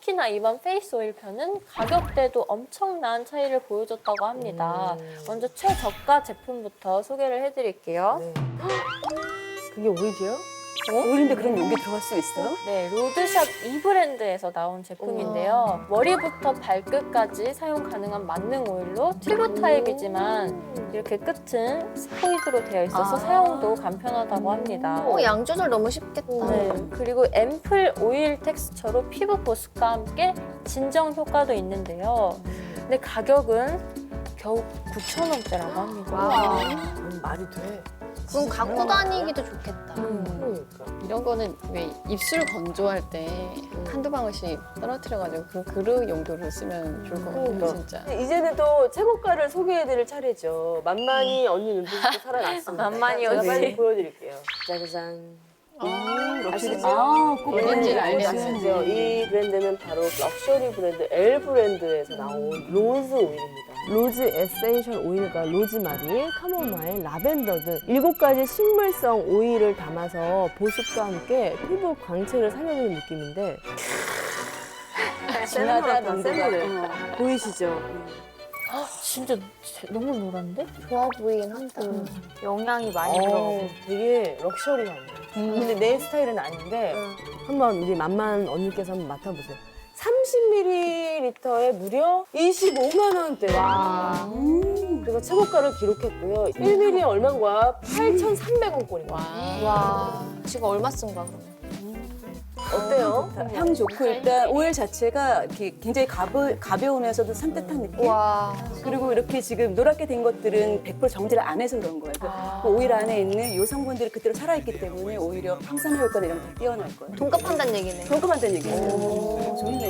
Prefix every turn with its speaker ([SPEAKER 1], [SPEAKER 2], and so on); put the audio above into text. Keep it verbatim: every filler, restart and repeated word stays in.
[SPEAKER 1] 특히나 이번 페이스 오일 편은 가격대도 엄청난 차이를 보여줬다고 합니다.
[SPEAKER 2] 음.
[SPEAKER 1] 먼저 최저가 제품부터 소개를 해드릴게요.
[SPEAKER 2] 네. 그게 오일이요?
[SPEAKER 3] 오일인데 그럼 여기 들어갈 수 있어요?
[SPEAKER 1] 네, 로드샵 이 브랜드에서 나온 제품인데요. 머리부터 발끝까지 사용 가능한 만능 오일로 튜브 타입이지만 이렇게 끝은 스포이드로 되어 있어서
[SPEAKER 3] 아.
[SPEAKER 1] 사용도 간편하다고 합니다.
[SPEAKER 4] 어, 양 조절 너무 쉽겠다.
[SPEAKER 1] 네, 그리고 앰플 오일 텍스처로 피부 보습과 함께 진정 효과도 있는데요. 근데 가격은 겨우 구천 원대라고 합니다.
[SPEAKER 4] 와.
[SPEAKER 2] 음, 말이 돼.
[SPEAKER 4] 그럼 갖고 다니기도 좋겠다.
[SPEAKER 2] 그러니까.
[SPEAKER 5] 이런 거는 왜 입술 건조할 때 한두 방울씩 떨어뜨려가지고 그 그릇 용도로 쓰면 좋을 것 같아요,
[SPEAKER 2] 그러니까.
[SPEAKER 5] 진짜.
[SPEAKER 2] 이제는 또 최고가를 소개해드릴 차례죠. 만만히 언니 눈빛도 살아났습니다.
[SPEAKER 1] 만만히
[SPEAKER 2] 제가
[SPEAKER 1] 언니.
[SPEAKER 2] 빨리 보여드릴게요. 짜자잔. 아시죠?
[SPEAKER 3] 아, 꼭
[SPEAKER 5] 뭔지를
[SPEAKER 2] 음,
[SPEAKER 5] 알겠어요.
[SPEAKER 2] 아시죠? 이 브랜드는 바로 럭셔리 브랜드 L 브랜드에서 나온 로즈 오일입니다. 로즈 에센셜 오일과 로즈마리, 카모마일, 라벤더 등 일곱 가지 식물성 오일을 담아서 보습과 함께 피부 광채를 살려주는 느낌인데
[SPEAKER 3] 진하다, 농도가.
[SPEAKER 2] 보이시죠?
[SPEAKER 1] 진짜 너무 노란데?
[SPEAKER 4] 좋아 보이긴 한다.
[SPEAKER 1] 영양이 많이
[SPEAKER 2] 어,
[SPEAKER 1] 들어가고.
[SPEAKER 2] 되게 럭셔리하네. 근데 내 스타일은 아닌데 한번 우리 만만 언니께서 한번 맡아보세요. 삼십 밀리리터에 무려 이십오만 원대. 그래서 최고가를 기록했고요. 일 밀리리터에 얼마인가? 팔천삼백 원꼴입니다.
[SPEAKER 4] 와, 지금 얼마 쓴 거야, 그러면?
[SPEAKER 2] 어때요?
[SPEAKER 3] 향 좋고 일단 오일 자체가 이렇게 굉장히 가벼, 가벼우면서도 산뜻한 느낌.
[SPEAKER 4] 와.
[SPEAKER 3] 그리고 이렇게 지금 노랗게 된 것들은 백 퍼센트 정제를 안 해서 그런 거예요. 그그 오일 안에 있는 이 성분들이 그대로 살아있기 때문에 오히려 항산화 효과나 이런 게 뛰어날 거예요.
[SPEAKER 4] 돈값한다는 얘기네.
[SPEAKER 3] 평가한다는 얘기예요. 오, 좋네.